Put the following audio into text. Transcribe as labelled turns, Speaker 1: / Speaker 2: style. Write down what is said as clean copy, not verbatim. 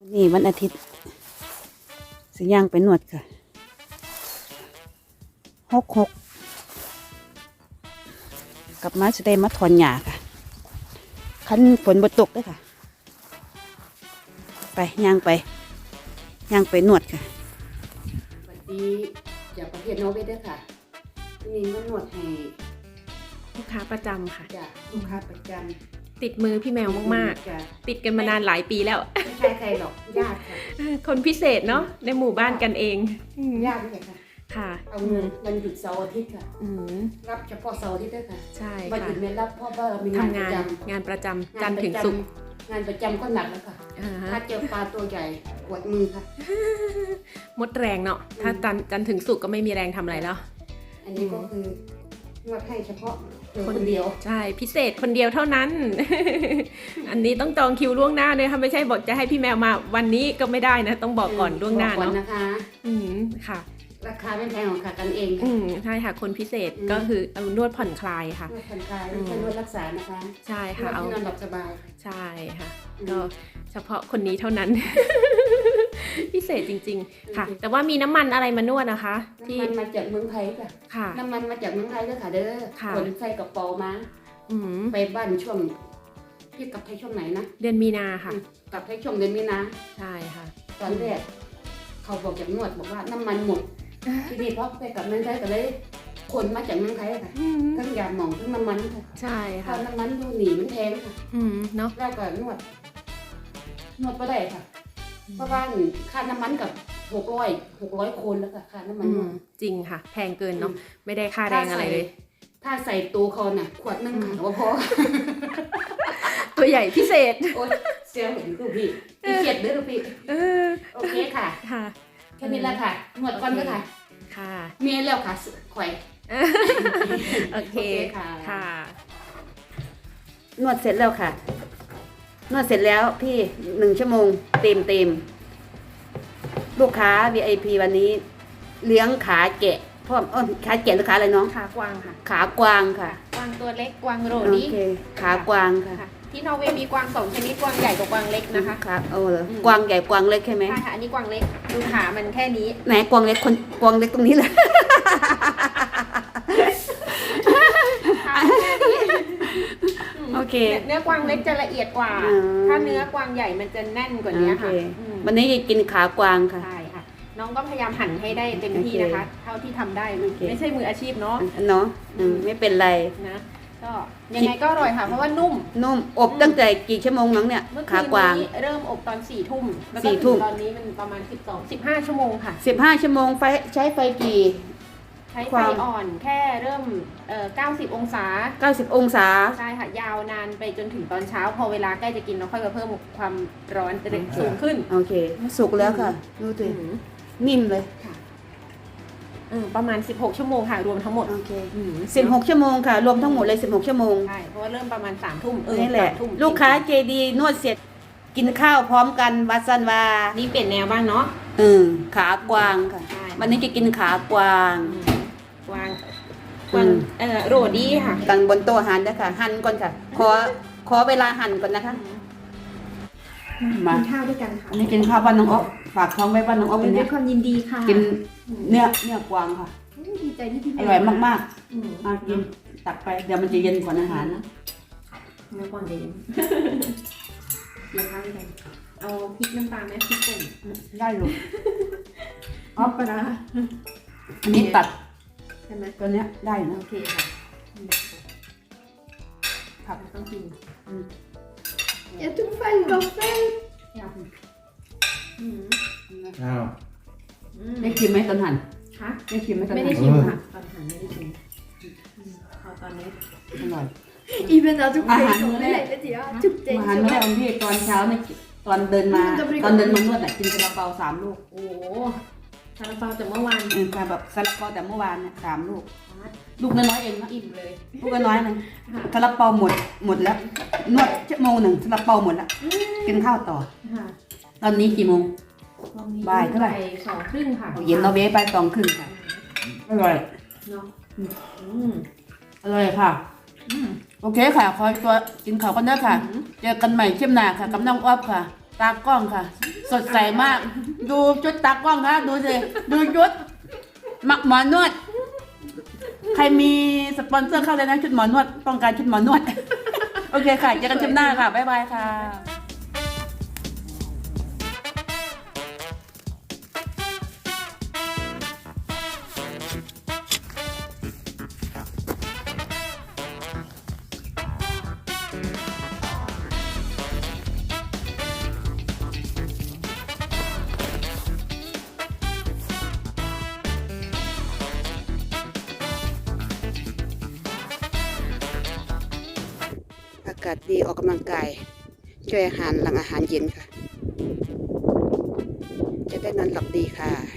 Speaker 1: นี่วันอาทิตย์สิย่างไปนวดค่ะ6กลับมาจะได้มาถอนหญ้าค่ะคันฝนบ่ตกด้วยค่ะไปย่างไปนวดค่ะสวัสดีจากประเทศนอร์เวย์ด้วยค่ะนี่มานวดให้
Speaker 2: ลูกค้าประจำค่ะ
Speaker 1: จากลูกค้าประจำ
Speaker 2: ติดมือพี่แมวมาก
Speaker 1: จ้ะ
Speaker 2: ๆ ติดกันมานานหลายปีแล้ว
Speaker 1: ไม่ใช่ใครหรอกญาติค่ะ
Speaker 2: คนพิเศษเนาะในหมู่บ้านกันเอง
Speaker 1: ญาตินี่แหละค่ะ
Speaker 2: ค่ะ
Speaker 1: เอาเงินวันหยุดเสาร์อาทิตย์ค่ะ
Speaker 2: อืม
Speaker 1: รับเฉพาะเสาร์อาทิตย์ด้วยค่ะ
Speaker 2: ใช่
Speaker 1: วัน
Speaker 2: ค่ะ
Speaker 1: อื่นไม่รับเพราะว่าเรามีงาน
Speaker 2: ทำ
Speaker 1: ประ
Speaker 2: งาน
Speaker 1: จำ
Speaker 2: งานประจำจันทร์ถึงศุกร์
Speaker 1: งานประจำก็หนักแล้วค่ะ
Speaker 2: อ่าฮะ
Speaker 1: ถ้าเจอปลาตัวใหญ่ปวดมือค่ะ
Speaker 2: หมดแรงเนาะถ้าจันทร์ถึงศุกร์ก็ไม่มีแรงทำอะไรแล้ว
Speaker 1: อันนี้ก็คือนวดให้เฉพาะคนเดียว
Speaker 2: ใช่พิเศษคนเดียวเท่านั้น อันนี้ต้องจองคิวล่วงหน้าเลยค่ะไม่ใช่บอกจะให้พี่แมวมาวันนี้ก็ไม่ได้นะ ต้องบอกก่อนล่วงหน้า
Speaker 1: บอกก่อ
Speaker 2: เนาะ
Speaker 1: นะคะ
Speaker 2: อืมค่ะ
Speaker 1: ราคาไม่แพงของค่ะกันเอง
Speaker 2: อืมใช่ค่ะคนพิเศษก็คือเอานวดผ่อนคลายค่ะ
Speaker 1: นวดผ่อนคลายไม่ใช่นวดรักษานะคะ
Speaker 2: ใช่
Speaker 1: น
Speaker 2: ค่ะ
Speaker 1: วด
Speaker 2: เอา
Speaker 1: ที่นอนหลับสบาย
Speaker 2: ใช่ค่ะก็เฉพาะคนนี้เท่านั้น พิเศษจริงๆค่ะ แต่ว่ามีน้ำมันอะไรมานวดนะคะ ที่
Speaker 1: น้ำมันมาจากเมืองไทยค่ะ
Speaker 2: ค่ะ
Speaker 1: น้ำมันมาจากเมืองไทยด้วยค่ะเด้อ
Speaker 2: ค่ะ
Speaker 1: ขนใส่กระเป๋ามา
Speaker 2: อืม
Speaker 1: ไปบ้านช่วงพี่กลับไทยช่วงไหนนะ
Speaker 2: เดือนมีนาค่ะ
Speaker 1: กลับไทยช่วงเดือนมีนา
Speaker 2: ใช่ค่ะ
Speaker 1: ตอนแรกเขาบอกจากนวดบอกว่าน้ำมันหมดทีนี้พอไปกลับเมืองไทยก็เลยขนมาจากเมืองไทยค่ะ
Speaker 2: อืม
Speaker 1: ทั้งยาหมองทั้งน้ำมันค่ะ
Speaker 2: ใช่
Speaker 1: เพ
Speaker 2: ค่ะ
Speaker 1: ราะน้ำมันดูหนีมันแพงค่ะ
Speaker 2: อืมเนาะ
Speaker 1: แล้วก็นวดก็ได้ค่ะ เพราะว่าค่าน้ำมันกับ600คนแล้วค่ะค่าน้ำมัน
Speaker 2: อื
Speaker 1: นว
Speaker 2: ม
Speaker 1: ด
Speaker 2: จริงค่ะ แพงเกินเนาะไม่ได้ค่าแรงอะไรเลย
Speaker 1: ถ้าใส่ตัวเขาน่ะ ขวดนึงค่ะว่าพอ
Speaker 2: ตัวใหญ่พิเศษ
Speaker 1: โอ๊ยเสียเห็นดูพี่เกียดเด้อพี่
Speaker 2: เออ
Speaker 1: โอเคค่ะ
Speaker 2: ค่ะ
Speaker 1: แค่นี้แหละค่ะนวดก่อนก็ค่ะ
Speaker 2: ค่ะ
Speaker 1: เมียแล้วค่ะข่อย
Speaker 2: โอเค
Speaker 1: ค่ะ
Speaker 2: ค่ะ
Speaker 1: นวดเสร็จแล้วค่ะ นวดเสร็จแล้วพี่1 ชั่วโมงเต็มลูกค้า VIP วันนี้ เลี้ยงขาแกะพ่อขาแกะหรือขาอะไรน้อง
Speaker 2: ขากวางค่ะ
Speaker 1: ขากวางค่ะ
Speaker 2: กวางตัวเล็กกวางโร
Speaker 1: โอ
Speaker 2: ดี้
Speaker 1: เคขากวางค่ะ
Speaker 2: ค่ะที่นอร์เวย์มีกวาง2 ชนิดกวางใหญ่กับกวางเล็กนะคะ
Speaker 1: ครับเหรอกวางใหญ่กวางเล็กใช่ไหม
Speaker 2: ใช่ค่ะอันนี้กวางเล็กดูขามันแค่นี้
Speaker 1: ไหนกวางเล็กกวางเล็กตรงนี้เลย
Speaker 2: ขาแค่นี้
Speaker 1: โอเค
Speaker 2: เนื้อกวางเล็กจะละเอียดกว่า
Speaker 1: อืม
Speaker 2: ถ้าเนื้อกวางใหญ่มันจะแน่นกว่านี้ค่ะ
Speaker 1: โอเค
Speaker 2: อืม
Speaker 1: วันนี้จะกินขากวางค่ะ
Speaker 2: ใช่ค่ะ น้องก็พยายามหั่นให้ได้เต็มที่นะคะ เท่าที่ทำได้
Speaker 1: โอเค
Speaker 2: ไม่ใช่มืออาชีพเนาะ
Speaker 1: เนาะไม่เป็นไร
Speaker 2: นะก็ยังไงก็อร่อยค่ะ เพราะว่านุ่ม
Speaker 1: นุ่มอบตั้งแต่กี่ชั่วโมงน้องเนี่ย
Speaker 2: เมื่อคื
Speaker 1: ขาน กวาง
Speaker 2: นี้เริ่มอบตอน4 ทุ่มแล้วก็
Speaker 1: 4 ทุ่
Speaker 2: ถึ
Speaker 1: ม
Speaker 2: งตอนนี้มันประมาณ15 ชั่วโมงค่ะ
Speaker 1: 15 ชั่วโมงใช้ไฟกี่
Speaker 2: ใช้
Speaker 1: ค
Speaker 2: ไฟ
Speaker 1: วาม
Speaker 2: อ่อนแค่เริ่ม90 องศา
Speaker 1: 90 องศา
Speaker 2: ใช่ค่ะ ยาวนานไปจนถึงตอนเช้า พอเวลาใกล้จะกินเราค่อยมาเพิ่มความร้อนสูงขึ้น
Speaker 1: โอเค สุกแล้วค่ะ ดูสิ
Speaker 2: อืม
Speaker 1: นิ่มเลย
Speaker 2: ค่ะประมาณ16 ชั่วโมงค่ะรวมทั้งหมด
Speaker 1: โอเค
Speaker 2: อืม
Speaker 1: 16 ชั่วโมงค่ะ รวมทั้งหมดเลย16 ชั่วโมง
Speaker 2: ใช่เพราะว่าเริ่มประมาณ3 ทุ่ม
Speaker 1: นี่แหละ
Speaker 2: 3 ทุ่ม
Speaker 1: ลูกค้าเจดีนวดเสร็จ กินข้าวพร้อมกันวัดสันวา
Speaker 2: นี่เปลี่ยนแนวบ้างเนาะ
Speaker 1: ขากวางค่ะ
Speaker 2: ใช่
Speaker 1: วันนี้จะกินขากวาง
Speaker 2: กวางโรดี้ค่ะ
Speaker 1: กันบนโต๊ะอาหารนะคะหั่นก่อนค่ะ ขอเวลาหั่นก่อนนะคะ มา
Speaker 2: กินข้าวด้วยกันค่ะ
Speaker 1: อันนี้กินข้าวบ้านน้องอ๊อฟฝากท้องไว้บ้านน้องอ๊อฟวัน
Speaker 2: ด้
Speaker 1: นี้
Speaker 2: วยความยินดีค่ะ
Speaker 1: กินเนื้อกวางค่ะ
Speaker 2: ดีใจที่พี่
Speaker 1: อร่อยมาก
Speaker 2: อืม
Speaker 1: ๆมากินตักไปเดี๋ยวมันจะเย็นกว่าอาหารนะ
Speaker 2: เนื้อกวางเย็นกินข้าวด้วยกันเอาพริกน้ำตาลไหมพริกป่น
Speaker 1: ได้ลูก
Speaker 2: อ๋อปลา
Speaker 1: อันนี้ตัด
Speaker 2: ใช่ไหม
Speaker 1: ตัวเนี้ยได้นะ
Speaker 2: โอเคค่ะ
Speaker 1: ผัก
Speaker 2: ต้องกิน
Speaker 3: Jag tog fem gaffel.
Speaker 2: อืม
Speaker 4: อ้าว
Speaker 1: ได้ชิมไหมตอนหั่น
Speaker 2: ค่ะ
Speaker 1: ได้ชิมไหมตอน
Speaker 2: ไม่
Speaker 1: หั่
Speaker 2: ได้
Speaker 1: น
Speaker 2: ชิมค่ะตอนหันไม่ได้ชิมพอตอนนี้
Speaker 1: อร่อย
Speaker 3: Ik ben dat ook
Speaker 1: Ah,
Speaker 3: vergeten.
Speaker 1: nee.
Speaker 3: Nee, ja. Toek
Speaker 1: อาหาร
Speaker 3: deze
Speaker 1: ไม่ได้
Speaker 3: wel.
Speaker 1: ของพี่ตอนเช้าเนี่ยตอนเดินมานวดน่ะกินซาลาเปา3 ลูก
Speaker 2: โอ้โหซาลาเปาจากเมื่อวาน
Speaker 1: ค่ะแบบซาลาเปาแต่เมื่อวานเนี่ย3 ลูก ลูกน้อยๆเองนะ
Speaker 2: อิ่มเลย
Speaker 1: ลูกน้อยๆนึงซาลาเปาหมดแล้ว นวดชั่วโมงหนึ่งซาลาเปาหมดแล้วกินข้าวต่อ
Speaker 2: ค่ะ
Speaker 1: ตอนนี้กี่โมง
Speaker 2: ตอนนี้
Speaker 1: บ่ายเท่าไหร่
Speaker 2: 2:30ค่ะ
Speaker 1: เย็นเราเว้ไป2:30ค่ะอร่อย
Speaker 2: เนาะ
Speaker 1: อร่อยค่ะ โอเคค่ะ ขอตัวกินข้าวกันเด้อค่ะ เจอกันใหม่เช่มหน้าค่ะกับน้องอ๊อฟค่ะตากล้องค่ะ สดใสมาก ดูชุดตากล้องค่ะดูสิดูชุดหมอนวด ใครมีสปอนเซอร์เข้าเลยนะชุดหมอนวดต้องการชุดหมอนวด โอเคค่ะเจอกันคลิปหน้าค่ะบ๊ายบายค่ะอากาศดีออกกำลังกายช่วยอาหารหลังอาหารเย็นค่ะ จะได้นอนหลับดีค่ะ